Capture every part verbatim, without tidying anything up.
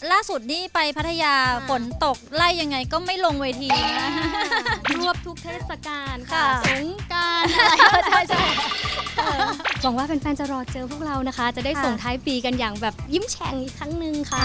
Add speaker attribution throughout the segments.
Speaker 1: ล่าสุดนี่ไปพัทยาฝนตกไล่ยังไงก็ไม่ลงเวทีนะ
Speaker 2: รวบทุกเทศกาลค่ะ
Speaker 1: ค่ะ
Speaker 2: สงกรานต์อะไรใช่ใช่หวังว่าแฟนๆจะรอเจอพวกเรานะคะ จะได้
Speaker 1: ค่ะ
Speaker 2: ส่งท้ายปีกันอย่างแบบยิ้มแฉ่งอีกครั้งหนึ่งค่ะ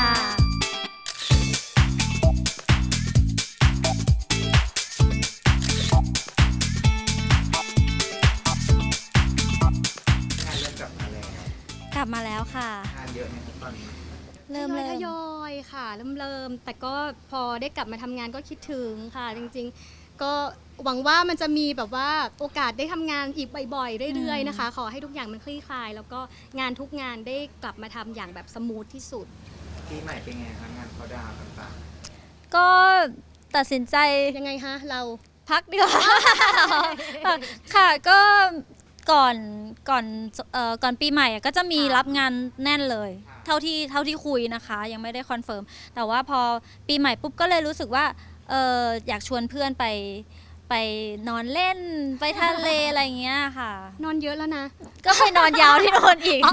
Speaker 3: งานเริ่มกลับมาแล้ว
Speaker 1: กลับมาแล้วค่ะ
Speaker 3: งานเยอะไหมครับตอนนี้
Speaker 1: เริ่ม
Speaker 2: ท
Speaker 1: เริ่ม
Speaker 2: ยอยๆค่ะเริ่มเริ่มแต่ก็พอได้กลับมาทำงานก็คิดถึงค่ะ จริงๆ ก็หวังว่ามันจะมีแบบว่าโอกาสได้ทำงานอีกบ่อยๆเรื่อยๆนะคะ ขอให้ทุกอย่างมันคลี่คลาย แล้วก็งานทุกงานได้กลับมาทำอย่างแบบสมูทที่สุด
Speaker 3: ปีใหม่เป็นไงครับงานเขาดาวน์ต่าง
Speaker 1: ก็ตัดสินใจ
Speaker 2: ยังไงคะเรา
Speaker 1: พักดีกว่า ค่ะก็ก่อนก่อนเอ่อก่อนปีใหม่อะก็จะมี
Speaker 2: ค่ะ
Speaker 1: รับงานแน่นเลย เท่าที่เท่าที่คุยนะคะ ยังไม่ได้คอนเฟิร์มแต่ว่าพอปีใหม่ปุ๊บก็เลยรู้สึกว่าเอออยากชวนเพื่อนไปไปนอนเล่นไปทะเลอะไรอย่างเงี้ยค่ะ
Speaker 2: นอนเยอะแล้วนะ
Speaker 1: ก็ไปนอนยาวที่โน่นอีก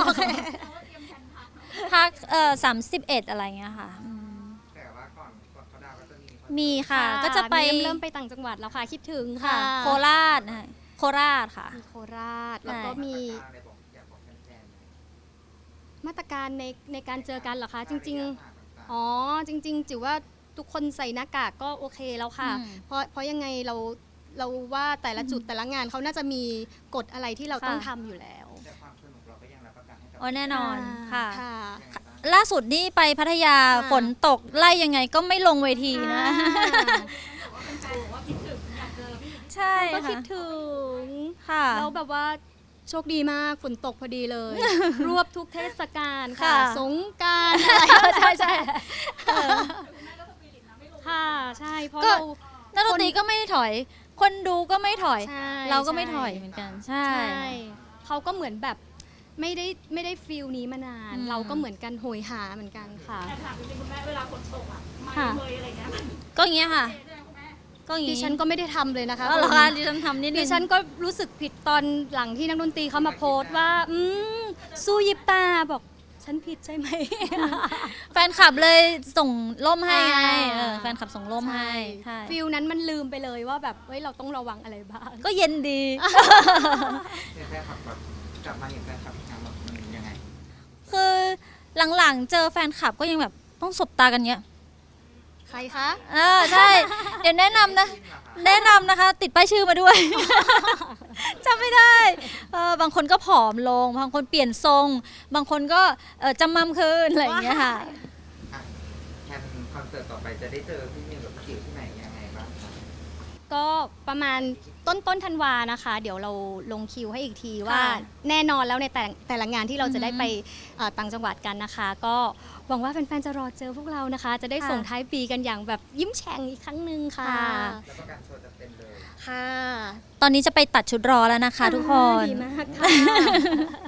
Speaker 1: พักเอ่อสามสิบเอ็ดอะไรเงี้ยค่ะอืม
Speaker 3: ๆแต่ว่าก่อนก่อนเขาดาวน์ก็จะมีคอนเสิร์ต
Speaker 1: มีค่ะ ก็จะไป
Speaker 2: เริ่มเริ่มไปต่างจังหวัดแล้วค่ะคิดถึงค่ะ
Speaker 1: ค่ะโคราชนะคะโคราชค่ะ
Speaker 2: มีโคราชแล้วก็
Speaker 1: ใช่
Speaker 2: มี
Speaker 3: มาตรการอะไรบอกอยากบอกแฟนๆไหม
Speaker 2: มาตรการในในการเจอกันเหรอคะ จริง
Speaker 3: ๆ
Speaker 2: ๆ อ๋อจริง ๆจิ๋วว่าทุกคนใส่หน้ากากก็โอเคแล้วค่ะ
Speaker 1: อืม
Speaker 2: เพราะเพราะยังไงเราเราว่าแต่ละจุดแต่ละงานเขาน่าจะมีกฎอะไรที่เรา
Speaker 1: ค่ะ
Speaker 2: ต้องทำอยู่แล้ว
Speaker 3: แต่ความสนุกเราก็ยังรับประกันให้กับ
Speaker 1: โอ้แน่นอนค่ะ
Speaker 2: ค่ะ
Speaker 3: ยังไงบ้าง
Speaker 1: ล่าสุดนี่ไปพัทยา
Speaker 2: ค่ะ
Speaker 1: ฝนตกไล่ยังไงก็ไม่ลงเวทีนะ ใช่
Speaker 2: ก็คิด
Speaker 1: ค่ะ
Speaker 2: ถึง
Speaker 1: ค่ะ
Speaker 2: แล้วแบบว่าโชคดีมากฝนตกพอดีเลย รวบทุกเทศกาลค่ะ
Speaker 1: ค่ะ
Speaker 2: สงกรานต์อะไรใช่ใช่ค่ะใช่เพราะ
Speaker 1: ก็
Speaker 2: เรา
Speaker 1: นักดนตรีก็ไม่ถอย คนดูก็ไม่ถอย
Speaker 2: ใช่
Speaker 1: เราก็ไม่
Speaker 2: ใช่
Speaker 1: ถอยเหมือนกัน ใช่
Speaker 2: ใช่เขาก็เหมือนแบบไม่ได้ไม่ได้ฟีลนี้มานาน
Speaker 1: อืม
Speaker 2: เราก็เหมือนกันโหยหาเหมือนกันค่ะ
Speaker 4: แต่ถามจริงๆคุณแม่เวลาฝนตกอ่ะไม่
Speaker 2: ค่ะ
Speaker 4: เลยอะไรเงี้ยมัน
Speaker 1: ก็อย่างเงี้ยค่ะ
Speaker 4: เจ๊คุณแม่
Speaker 1: ก็อย่าง
Speaker 2: ดิ
Speaker 1: งี้
Speaker 2: ฉันก็ไม่ได้ทำเลยนะคะ
Speaker 1: อ๋อเหรอ
Speaker 2: คุ
Speaker 1: คะ
Speaker 2: ณ
Speaker 1: ดิฉันทำนิดนึ
Speaker 2: ดิ
Speaker 1: ง
Speaker 2: ฉันก็รู้สึกผิดตอนหลังที่นักดนตรีเขามาโพสต์ว่า อืมสู้ยิบตาบอกฉันผิดใช่ไหม
Speaker 1: แฟนคลับเลยส่งร่มให้ไง
Speaker 2: อ่า
Speaker 1: เออแฟนคลับส่งร่มให้ใช่
Speaker 2: ฟิลนั้นมันลืมไปเลยว่าแบบเฮ้ยเราต้องระวังอะไรบ้าง
Speaker 1: ก็เย็นดี
Speaker 3: เนี่ยแฟนคลับแบบกลับมาเห็นแฟนคลับอีกครั้งแบบมันยังไง
Speaker 1: คือหลังๆเจอแฟนคลับก็ยังแบบต้องสบตากันเงี้ย
Speaker 2: ใครคะ
Speaker 1: เออใช่ เดี๋ยวแนะนำนะ แนะนำนะคะ ติดป้ายชื่อมาด้วย จำไม่ได้เออบางคนก็ผอมลง บางคนเปลี่ยนทรง บางคนก็เออจำมั่มขึ้นอะไรอย่างเงี้ยค่ะ
Speaker 3: อ่ะแทนคอนเสิร์ตต่อไปจะได้เจอพี่มิวกับพี่จิ๋วที่ไหนยังไงบ้างครับ
Speaker 2: ก็ประมาณต้นต้นธันวานะคะ เดี๋ยวเราลงคิวให้อีกทีว่า
Speaker 1: ค่ะ
Speaker 2: แน่นอนแล้วในแต่แต่ละงานที่เราจะได้
Speaker 1: อือฮึ
Speaker 2: ไปเอ่อต่างจังหวัดกันนะคะ ก็หวังว่าแฟนๆจะรอเจอพวกเรานะคะ จะได้
Speaker 1: ค่ะ
Speaker 2: ส่งท้ายปีกันอย่างแบบยิ้มแฉ่งอีกครั้งหนึ่งค่ะ
Speaker 1: ค่ะ
Speaker 3: แล้วก็การโชว์จะเต็มเลย
Speaker 2: ค่ะ
Speaker 1: ตอนนี้จะไปตัดชุดรอแล้วนะคะทุกคน
Speaker 2: ดีมากค่ะ